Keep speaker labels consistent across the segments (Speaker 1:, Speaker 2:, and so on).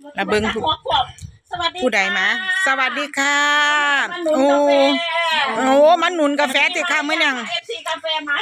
Speaker 1: มาเบิ่งผู้ใดมาสวัสดีค่ะโอ้โอ้มันหนุนกาแฟติค่ะมื้อยัง
Speaker 2: FC กาแฟมา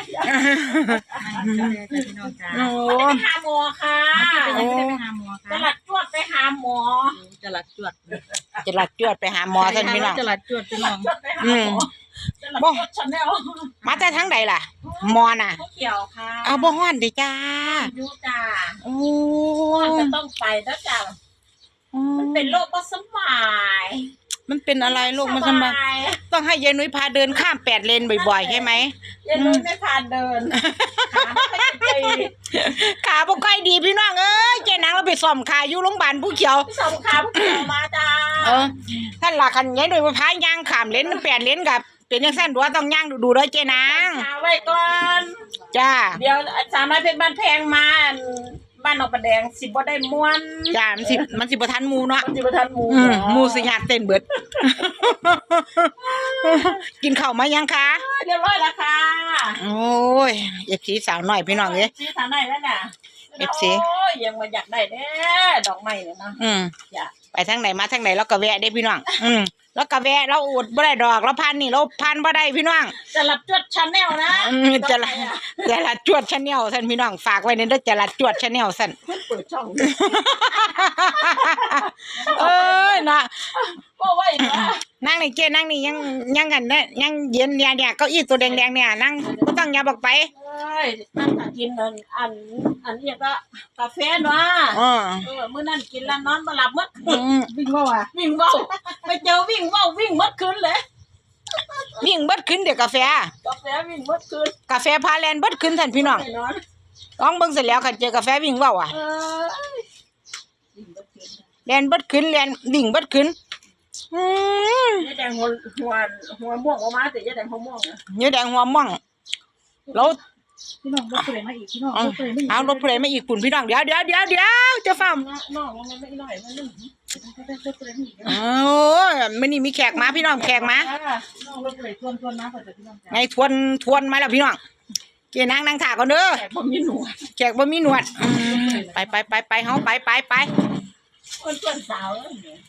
Speaker 1: โอ้
Speaker 2: ไปหาหมอค่ะจะหลัดจวดไปหาหมอ
Speaker 3: จะหลัดจวด
Speaker 1: ไปหาหมอท่านพี่น้อง
Speaker 3: จะหลัดจวดพี่น้อง
Speaker 1: บ่มาแต่ทางใดล่ะหมอน่ะ
Speaker 2: เขียวค่ะ
Speaker 1: เอาบ่ฮ้อนดิจ้า
Speaker 2: ดูจ้า
Speaker 1: โอ้
Speaker 2: จะต้องไปแล้วจ้ามันเป็นโรคบ่สบาย
Speaker 1: มันเป็นอะไรโรคมันสบายต้องให้ยายนุ้ยพาเดินข้าม8 เลนบ่อยๆใช่ไหม
Speaker 2: ยายนุ้ยไม่พาเดิน
Speaker 1: ขาบ่ค่อยดีพี่น้องเอ้ยเจ๊นางเราไปซ่อมขาอยู่โรงพยาบาลผู้เขียว
Speaker 2: ซ่อมขาผู้เขียวมาจ้า
Speaker 1: ท่านล่ะคันยายนุ้ยพาย่างข้ามเลน8 เลนกับเป็นจังซั่นดัวต้องย่างดูๆเด้อเจ๊นาง
Speaker 2: ไว้ก่อน
Speaker 1: จ้า
Speaker 2: เดี๋ยวสามารถเป็นบ้านแพงมาบ้านนอกประแดงสิบ่ได้ม่วน
Speaker 1: จ้ามันสิบ่ทันหมู่เนาะ
Speaker 2: มันสิบ่ทันหมู่
Speaker 1: หมู่สิญาติเต้นเบิดกินข้าวมายังคะ
Speaker 2: เรียบร้อยแล้วค่ะ
Speaker 1: โอ้ย FC สาวน้อยพี่น้องเอ้ย
Speaker 2: FC สาวน้อยแล้วน่ะ
Speaker 1: FC
Speaker 2: โอ้ยยังมาอยากได้เด้ดอกไม้เนี่ยนะ
Speaker 1: อยากไปทางไหนมาทางไหนเราก็แวะได้พี่น้องแล้วก็แวะเราอุดบ่ได้ดอกเราพันนี่เราพันบ่ได้พี่น้อง
Speaker 2: จะรับจวดชาแนลนะ
Speaker 1: จะรับจวดชาแนลท่านพี่น้องฝากไว้ในเด้อจะรับจวดชาแนลซั่น
Speaker 2: เปิดช่อง
Speaker 1: เอ้ยนะ
Speaker 2: บ่ไหวนะ
Speaker 1: นั่งนี่เจ้นั่งนี่ยังกันเนี่ยยังเย็นเนี่ยเก้าอี้ตัวแดงๆเนี่ยนั่งบ่ต้องอย่าบอกไป
Speaker 2: เอ้ยนั่งกินอันนี้ก็กาแฟเนาะมื้อนั้นกินแล้วนอนบ่หลับหมดวิ่งเว้าไปเจอวิ่งเว้าวิ่งหมดคืนเลย
Speaker 1: วิ่งเบิดคืนเดี๋ยวกาแฟ
Speaker 2: วิ่งหมดคืน
Speaker 1: กาแฟพาแลนเบิดคืนท่านพี่น้องลองเบิ่งเสร็จแล้วคันเจอกาแฟวิ่งเว้าแลนเบิดคืนแลนวิ่งเบิดคืน
Speaker 2: ยายแดงหัวม่วงออกมาแต่ยายแดงหัวม่วง
Speaker 1: ยายแดงหัวม่วงแล้ว
Speaker 2: พี่น้องรถเปรย์มาอีกพี่น้อง
Speaker 1: เอารถเปรย์มาอีกปุ่นพี่น้องเดี๋ยวจะฟัง
Speaker 2: น้องมันไม่หน่อยมันนึง
Speaker 1: โอ้ยมันนี่มีแขกมาพี่น้องแขกมา
Speaker 2: น้องรถเปรย์ทวนมาก่อนพี่น้อง
Speaker 1: ไงทวนมาแล้วพี่น้องเจ๊นั่งถ่าก่อนเด้อ
Speaker 2: แขกบ่มีหนวด
Speaker 1: ไปเฮาไป
Speaker 2: คนสาว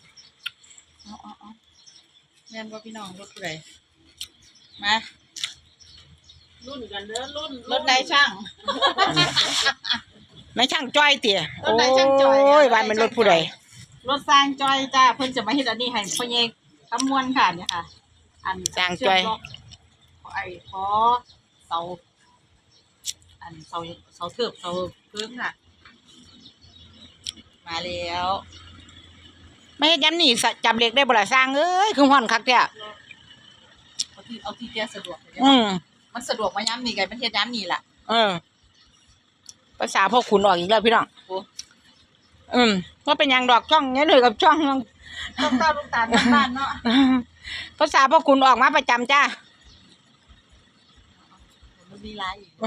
Speaker 3: แม่นบ่พี่น้องรถผู้ใดมา
Speaker 2: รุ่นกันเด้อ
Speaker 3: รถนายช่าง
Speaker 1: นายช่างจ้อยเตี๋ย
Speaker 3: รถนายช่างจ้อย
Speaker 1: โอ้ยวันเป็นรถผู้ใด
Speaker 3: รถสร้างจ้อยจ้าเพิ่นจะมาเฮ็ดอันนี้ให้พ่อใหญ่คำมวลค่ะเนี่ยค่ะอัน
Speaker 1: สร้างจ้อย
Speaker 3: ขอเสาเทิบเสาเพิ่งค่ะมาแล้ว
Speaker 1: ไม่เฮ็ดย้ำนี่จับเหล็กได้บ่ล่ะสร้างเอ้ยคือฮ้อนคักแท้
Speaker 3: เอาที่แกสะดวกมันสะดวกมาย้ำนี่ไงมันเฮ็ดย้ำนี่ล่ะ
Speaker 1: ภาษาพ่อขุนออกอีกแล้วพี่น้องว่าเป็นหยังดอกช่องนี้เลยกับช่อง
Speaker 3: ลูกตาบ้านเนาะ
Speaker 1: ภาษาพ่อขุนออกมาประจำจ้า
Speaker 3: มันมีหลายอีก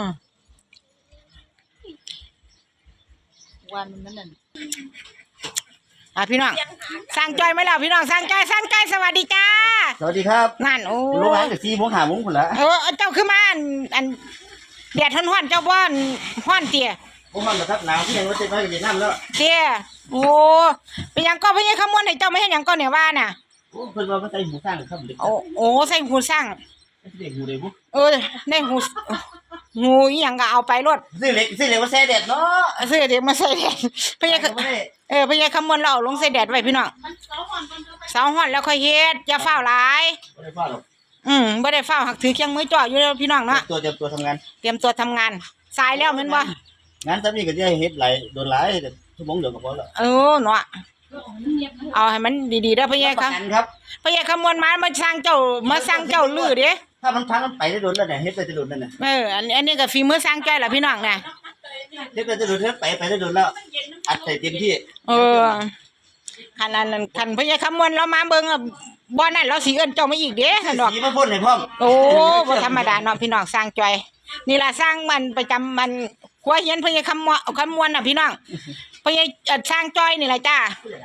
Speaker 3: วันมันนั่น
Speaker 1: พี่น้องสร้างจอยไหมล่ะพี่น้องสร้างจอยสวัสดีจ้า
Speaker 4: สวัสดีครับ
Speaker 1: นั่นโอ้
Speaker 4: โรงงานจาก4 โมง 5 โมงพุ่นละ
Speaker 1: เจ้าคือมาอันแดดฮ้อนเจ้าบ่ฮ้อนเตี้ย
Speaker 4: บ่ฮ้อนบ่ครับหนาวที่ยังว่าจะไปเวียดนามแล้ว
Speaker 1: เตี้ยโอ้เป็นหยังก็เพิ่นให้คำมวณให้เจ้าไม่เฮ็ดหยังก็เนี่ยว่าน่ะ
Speaker 4: โอ้เพิ่นว่ามันใส่หูสร้างครับ
Speaker 1: โอ้ใส่หูสร้าง
Speaker 4: ได้หูได้บ่
Speaker 1: ได้หูอีหยังก็เอาไปรถ
Speaker 4: ซื้อเหล็กมาใส่แดดเนาะ
Speaker 1: ซื้อเหล็กมาใส่แดดเพิ่นให้คำมวณเราลงใส่แดดไว้พี่น้องเสาฮ้อนแล้วค่อยเฮ็ดอย่าฟ้าวหลาย
Speaker 4: บ่ได้ฟ้าวหรอก
Speaker 1: บ่ได้ฟ้าวหักถือเคียงมือจ่ออยู่แล้วพี่น้องเนาะ
Speaker 4: เตรียมตัวทำงาน
Speaker 1: สายแล้วแม่นบ่
Speaker 4: งานซำนี้ก็จะเฮ็ดหลายโดนหลายชั่วโมงเดียวก็พอแล้ว
Speaker 1: เนาะเอาให้มันดีๆเด้อพ่อใหญ่ครับพ่อใหญ่คำมวณมาสร้างเจ้าลื้อเด้
Speaker 4: ถ้ามันพังมันไปได้โดนแล้วเนี่ยเฮ็ดได้โดนนั่นน่ะ
Speaker 1: อันนี้ก็ฝีมือสร้างจ้อยล่ะพี่น้องน่ะ
Speaker 4: เฮ็ดได้โดนเฮ็ดไปได้โดนแล้วอัดใส่เต็มที่
Speaker 1: คันนั้นคันพ่อใหญ่คำมวณเรามาเบิ่งบ่นั่นเราสิเอิ้นเจ้ามาอีกเด้ซั่นดอก
Speaker 4: สีมาพ่นให้พร้อม
Speaker 1: โอ้บ่ธรรมดาเนาะพี่น้องสร้างจ้อยนี่ล่ะสร้างมันประจำมันครัวเฮียนพ่อใหญ่คำมวณน่ะพี่น้องพ่อใหญ่สร้างจ้อยนี่ล่ะจ้า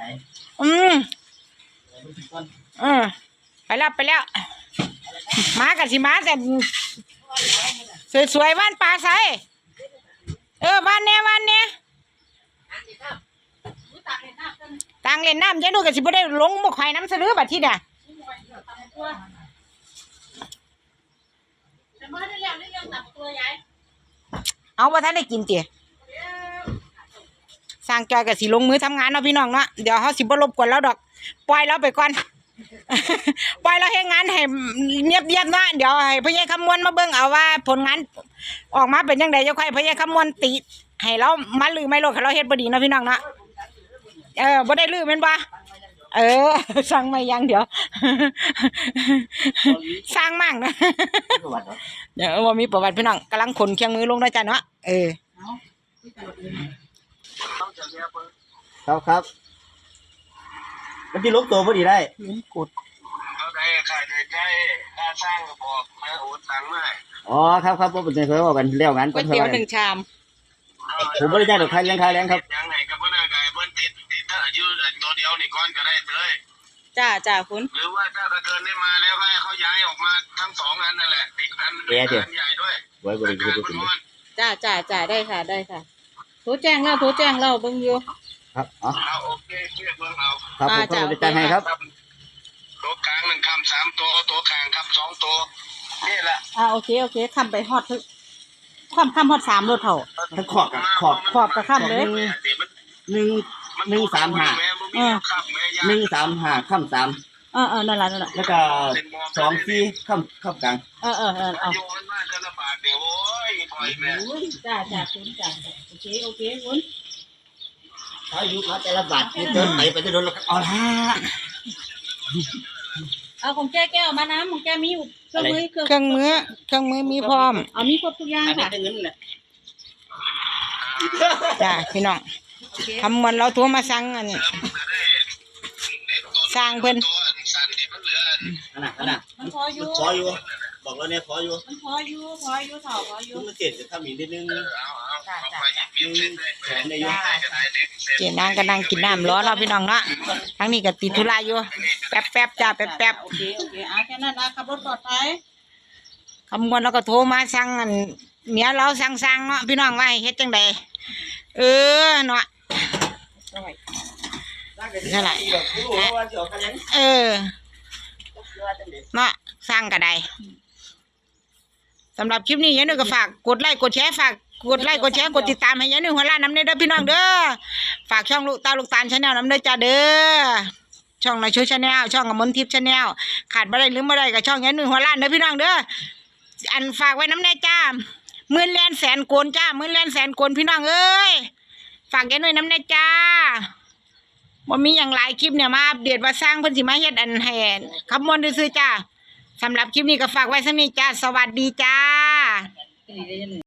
Speaker 1: ไปแล้วมากันสิมาแต่สวยๆบ้านปลาใสบ้านเนี้ยตากงเล่นน้ำยายนุ่ยก็สิบ่ได้ลงบ่ข่อยน้ำสะลือบัดทีเนี่ย
Speaker 2: แต่มาได้แล้วนี่ยังตับตัวยาย
Speaker 1: เอาบ่ทันได้กินติสร้างจอยก็สิลงมือทำงานเนาะพี่น้องเนาะเดี๋ยวเฮาสิบ่รบกวนเราดอกปล่อยเราไปก่อน ปล่อยเราเฮ็ดงานให้เงียบๆเนาะเดี๋ยวให้พ่อใหญ่คำมวณมาเบิ่งเอาว่าผลงานออกมาเป็นจังได๋จะค่อยพ่อใหญ่คำมวณติให้เรามาลือไม่โลดให้เราเฮ็ดบ่ดีเนาะพี่น้องเนาะบ่ได้ลือแม่นบ่สั่งมายังเดี๋ยว สร้างมั่งนะเดี๋ยวว่ามีประวัติพี่น้องกำลังขนเครื่องมือลงนะจ๊ะเนาะ
Speaker 4: ครับมันที่ลุกตัวพอดีได้
Speaker 1: ลิ้นกด
Speaker 5: เขาได้ค่าใช้ค่าสร้างก็บอกมาโอนตังค์มา
Speaker 4: อ๋อครับผมเป็นเคยว่ากันเลี้ยวงาน
Speaker 1: ก๋วยเตี๋ยว1 ชาม
Speaker 4: ผมไม่ได้จ้างดอกค่าเลี้ยงครับ
Speaker 5: ยังไงก็เพิ่นกายเพิ่นติดถ้าอายุตัวเดียวนี่ก่อนก็ได้เลย
Speaker 1: จ้าคุณ
Speaker 5: หรือว่าถ้าเกินได้มาแล้วให้เขาย้ายออกมาทั้ง2อันนั่นแหละติดอันใหญ่ด้วย
Speaker 4: ไว้บริการ
Speaker 3: จ้าได้ค่ะโทรแจ้งแล้วเบิ่งอยู่
Speaker 4: ครับอ๋อ
Speaker 5: เอาโอเคเชื่อเบิ่งเอา
Speaker 4: ครับผมก็จะจ้างให้ครับ
Speaker 5: ตัวกลาง1คำ3ตัวตัวกลางคำ2ตัวนี่แหละ
Speaker 2: โอเคคำไปฮอดทึกคำฮอด3รถเท่า
Speaker 4: ทั้งขอบกับขอบ
Speaker 2: ขอบกับคำเลย
Speaker 4: 135ข้าม3
Speaker 2: นั่นล่ะ
Speaker 4: แล้วก็24ข้ามกลาง
Speaker 2: เอา
Speaker 5: โยนมาจะลำบากเดี๋ยวโอ้ยปล่อยแม่
Speaker 2: จ้าคุณจ้าโอเคคุณ
Speaker 4: เขาอยู่เขาแต่ละบาทนี่เดินไปจะโดนแล้วเอาละ
Speaker 2: เอาของแก้วมาน้ำของแกมีอยู่เครื่องมือ
Speaker 1: เครื่องมือมีพร้อม
Speaker 2: เอามีครบทุกอย่าง
Speaker 4: อันนี้
Speaker 2: ค่ะ
Speaker 4: เป็นเงินแหละ
Speaker 1: จ้าพี่น้องคำมวณเราโทรมาสั่งอันสร้างเพิ่น
Speaker 5: ตัวสั่นที่มันเหลือ
Speaker 4: อันน่ะ
Speaker 2: มันพออยู่
Speaker 4: ขออยู่บอกแล้วเนี่ยขออยู่
Speaker 2: มันพออยู่เท่าพออยู่
Speaker 4: มันเจ็ดจะทำอีกนิดนึง
Speaker 5: ไปหยิบเส้นได้
Speaker 4: แขนในยุ่ง
Speaker 1: เจนางก็นั่งกินน้ำร้อนเนาะพี่น้องเนาะทั้งนี้ก็ติดธุระอยู่แป๊บจ้าแป๊บ
Speaker 2: โอเคแค่นั้นนะขับรถปลอดภัย
Speaker 1: คำมวณเราก็โทรมาสั่งอันเมียเราสั่งเนาะพี่น้องว่าให้เฮ็ดจังใดเนาะเท่าไหร่เนาะสร้างก็ได้สำหรับคลิปนี้ยายนุ่ยก็ฝากกดไลค์กดแชร์กดติดตามให้ยายนุ่ยหัวล้านน้ำเด้อพี่น้องเด้อฝากช่องลูกตาลชาแนลน้ำเด้อจ้าเด้อช่องในช่วยชาแนลช่องกมลทิพย์ชาแนลขาดบ่ได้ลืมบ่ได้กับช่องยายนุ่ยหัวล้านเด้อพี่น้องเด้ออันฝากไว้น้ำแน่จ้า10,000 แลนแสนโกนจ้า10,000 แลนแสนโกนพี่น้องเอ้ยฝากยายนุ่ยน้ำแน่จ้าบ่มีอย่างหลายคลิปเนี่ยมาอัปเดตว่าสร้างเพิ่นสิมาเฮ็ดอันให้คำมวณซื่อๆจ้าสำหรับคลิปนี้ก็ฝากไว้สักนิดจ้าสวัสดีจ้า